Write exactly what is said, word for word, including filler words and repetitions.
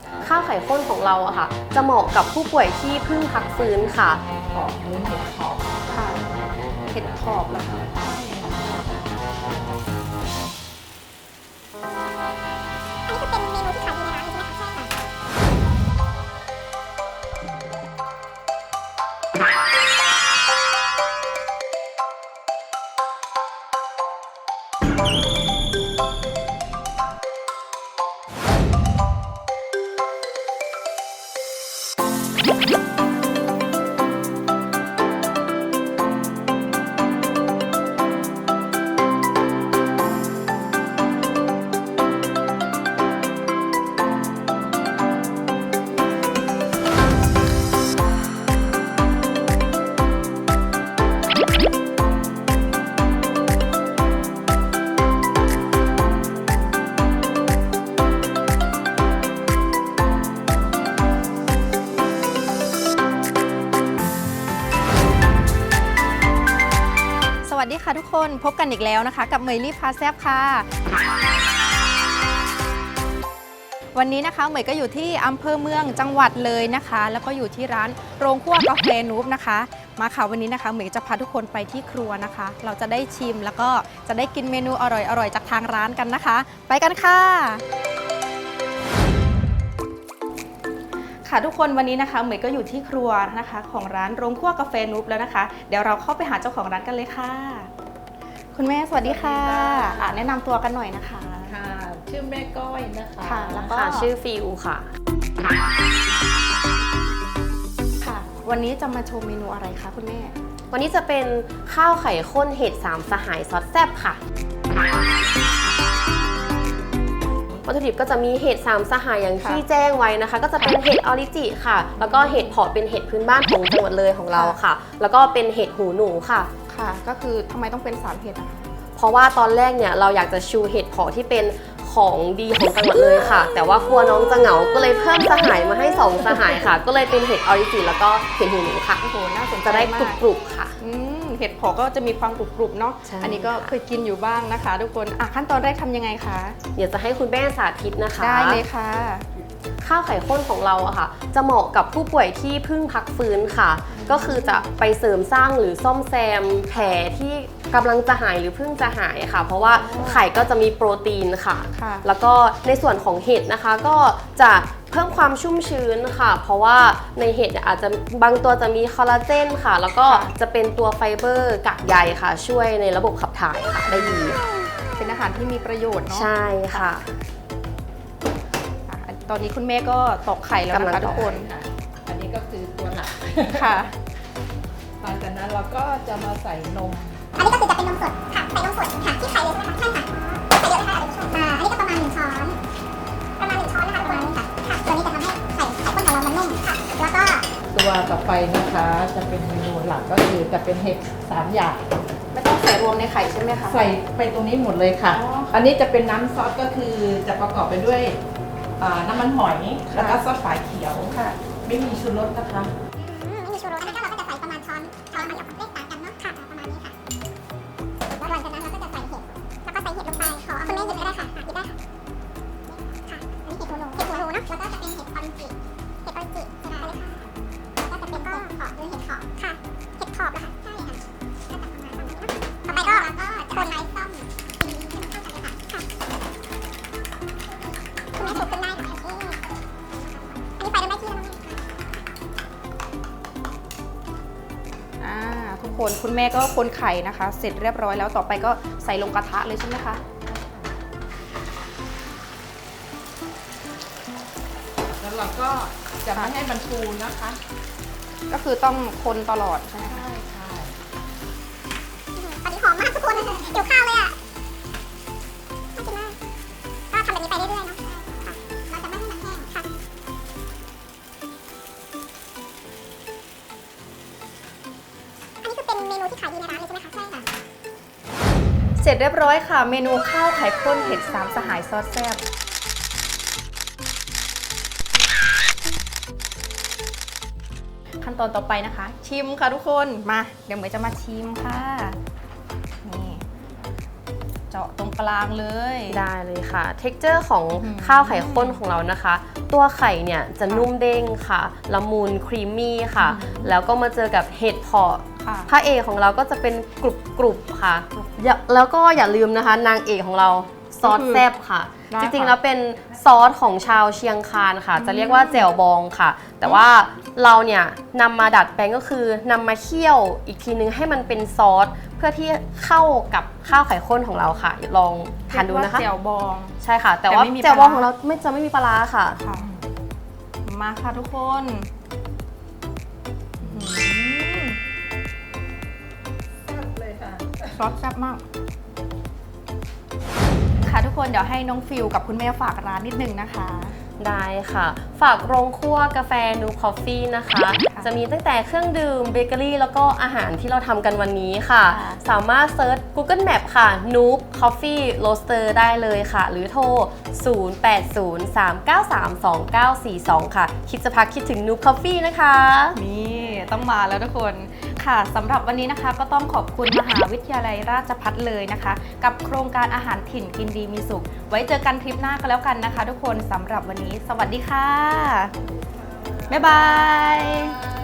ข้าวไข่ข้นของเราอะค่ะจะเหมาะกับผู้ป่วยที่เพิ่งพักฟื้นค่ะหอมหรือเห็ดหอมค่ะเห็ดถอบเหรอคะอันนี้คือเป็นเมนูที่ขายดีในร้านเลยใช่ไหมคะใช่ค่ะสวัสดีค่ะทุกคนพบกันอีกแล้วนะคะกับเมยลี่พาแซบค่ะวันนี้นะคะเมยก็อยู่ที่อำเภอเมืองจังหวัดเลยนะคะแล้วก็อยู่ที่ร้านโรงคั่วกาแฟนูบนะคะมาค่ะวันนี้นะคะเมยจะพาทุกคนไปที่ครัวนะคะเราจะได้ชิมแล้วก็จะได้กินเมนูอร่อยๆจากทางร้านกันนะคะไปกันค่ะค่ะทุกคนวันนี้นะคะเหมยก็อยู่ที่ครัวนะคะของร้านโรงคั่วกาแฟนูบแล้วนะคะเดี๋ยวเราเข้าไปหาเจ้าของร้านกันเลยค่ะคุณแม่สวัสดีค่ะอ่ะแนะนำตัวกันหน่อยนะคะค่ะชื่อแม่ก้อยนะคะค่ะแล้วก็ค่ะชื่อฟิวค่ะค่ะวันนี้จะมาโชว์เมนูอะไรคะคุณแม่วันนี้จะเป็นข้าวไข่ข้นเห็ดสามสหายซอสแซ่บค่ะวัตถุดิบก็จะมีเห็ดสามสหายอย่างที่แจ้งไว้นะคะก็จะเป็นเห็ดออริจิค่ะแล้วก็เห็ดเผาะเป็นเห็ดพื้นบ้านของจังหวัดเลยของเราค่ะแล้วก็เป็นเห็ดหูหนูค่ะค่ะก็คือทำไมต้องเป็นสามเห็ดอะคะเพราะว่าตอนแรกเนี่ยเราอยากจะชูเห็ดเผาะที่เป็นของดีของจังหวัดเลยค่ะแต่ว่าครัวน้องจะเหงาก็เลยเพิ่มสหายมาให้สองสหายค่ะก็เลยเป็นเห็ดออริจิแล้วก็เห็ดหูหนูค่ะโอ้โหน่าสนใจจะได้กรุบๆค่ะอืมเห็ดเผาะก็จะมีความกรุบๆเนาะอันนี้ก็เคยกินอยู่บ้างนะคะทุกคนอ่ะขั้นตอนแรกทำยังไงคะเดี๋ยวจะให้คุณแม่สาธิตนะคะได้เลยค่ะข้าวไข่ข้นของเราอะค่ะจะเหมาะกับผู้ป่วยที่เพิ่งพักฟื้นค่ะก็คือจะไปเสริมสร้างหรือซ่อมแซมแผลที่กำลังจะหายหรือเพิ่งจะหายค่ะเพราะว่าไข่ก็จะมีโปรตีนค่ะแล้วก็ในส่วนของเห็ดนะคะก็จะเพิ่มความชุ่มชื้นค่ะเพราะว่าในเห็ดอาจจะบางตัวจะมีคอลลาเจนค่ะแล้วก็จะเป็นตัวไฟเบอร์กากใยค่ะช่วยในระบบขับถ่ายค่ะได้ดีเป็นอาหารที่มีประโยชน์เนาะใช่ค่ะตอนนี้คุณแม่ก็ตอกไข่แล้วนะคะทุกคนอันนี้ก็คือตัวหลักค่ะหลังจากนั้นเราก็จะมาใส่นมอันนี้ก็คือจะเป็นนมสดค่ะใส่นมสดค่ะที่ไข่เลยใช่ไหมคะใช่ค่ะใส่เยอะไหมคะอ่าอันนี้ก็ประมาณหนึ่งช้อนประมาณหนึ่งช้อนนะคะประมาณนี้ค่ะค่ะตัวนี้จะทำให้ไข่ไข่ข้นของเรามันนุ่มค่ะแล้วก็ตัวต่อไปนะคะจะเป็นเมนูหลักก็คือจะเป็นเห็ดสามอย่างไม่ต้องใส่รวมในไข่ใช่ไหมคะใส่ไปตรงนี้หมดเลยค่ะ อันนี้จะเป็นน้ำซอสก็คือจะประกอบไปด้วยน้ำมันหอยแล้วก็ซอสฝาเขียวค่ะไม่มีชูรสนะคะไม่มีชูรสอันนี้ก็เราก็จะใส่ประมาณช้อนช้อนละมาเลขต่างกันเนาะค่ะประมาณนี้ค่ะแล้วหลังจากนั้นเราก็จะใส่เห็ดแล้วก็ใส่เห็ดลงไปขอคุณแม่หยิบก็ได้ค่ะหยิบได้ค่ะค่ะอันนี้เห็ดหูหนูเห็ดหูหนูเนาะแล้วก็จะเป็นเห็ดออริจิเห็ดออริจิใช่ไหมคะแล้วก็จะเป็นเห็ดเผาะหรือเห็ดเผาะค่ะเห็ดเผาะนะคะใช่ค่ะก็จะประมาณนี้เนาะต่อไปก็คนไร้ส้มให้มันเข้ากันเลยค่ะค่ะคุณแม่ถูกขึ้นได้ค่ะอันนี้ไฟเริ่มได้ที่แล้วนะอ่าทุกคนคุณแม่ก็คนไข่นะคะเสร็จเรียบร้อยแล้วต่อไปก็ใส่ลงกระทะเลยใช่ไหมคะแล้วเราก็จะไม่ให้มันฟูนะคะก็คือต้องคนตลอดใช่ไหมคะใช่ตอนนี้หอมมากทุกคนเกี่ยวข้าวเลยอ่ะน่ากินมากก็ทำแบบนี้ไปเรื่อยๆเนาะค่ะเราจะไม่ให้มันแห้งค่ะอันนี้คือเป็นเมนูที่ขายดีในร้านเลยใช่ไหมคะใช่ค่ะเสร็จเรียบร้อยค่ะเมนูข้าวไข่ข้นเห็ดสามสหายซอสแซ่บขั้นตอนต่อไปนะคะชิมค่ะทุกคนมาเดี๋ยวเหมยจะมาชิมค่ะนี่เจาะตรงกลางเลยได้เลยค่ะ เท็กเจอร์ของข้าวไข่ข้นของเรานะคะตัวไข่เนี่ยจะนุ่มเด้งค่ะละมุนครีมมี่ค่ะ แล้วก็มาเจอกับเห็ดเผาะค่ะพระเอกของเราก็จะเป็นกรุบกรุบๆค่ะอย่าแล้วก็อย่าลืมนะคะ นางเอกของเราซอสแซ่บค่ะได้จค่ะริงๆแล้วเป็นซอสของชาวเชียงคานค่ะ จะเรียกว่าแจ่วบองค่ะ แต่ว่าเราเนี่ยนำมาดัดแปลงก็คือนำมาเคี่ยวอีกทีนึงให้มันเป็นซอสเพื่อที่เข้ากับข้าวไข่ข้นของเราค่ะลองทานดูนะคะเรียกว่าแจ่วบองใช่ค่ะ แต่ว่าแต่ไม่มีแจ่วบองปลาร้าของเราไม่จะไม่มีปลาร้าค่ะค่ะ มาค่ะทุกคนอื้อหือเลยค่ะซอสแซ่บมาก ค่ะทุกคนเดี๋ยวให้น้องฟิลกับคุณแม่ฝากร้านนิดนึงนะคะได้ค่ะ ฝากโรงคั่วกาแฟนูคอฟฟี่นะคะ จะมีตั้งแต่เครื่องดื่มเบเกอรี่แล้วก็อาหารที่เราทำกันวันนี้ค่ะค่ะสามารถเซิร์ช Google Map ค่ะ Noob Coffee Roaster ได้เลยค่ะ หรือโทร ศูนย์ แปด ศูนย์ สาม เก้า สาม สอง เก้า สี่ สอง ค่ะ คิดจะพักคิดถึง Noob Coffee นะคะนี่ต้องมาแล้วทุกคนค่ะสำหรับวันนี้นะคะก็ต้องขอบคุณมหาวิทยาลัยราชภัฏเลยนะคะ กับโครงการอาหารถิ่นกินดีมีสุข ไว้เจอกันทริปหน้าก็แล้วกันนะคะ ทุกคนสำหรับวันนี้ สวัสดีค่ะ บ๊ายบาย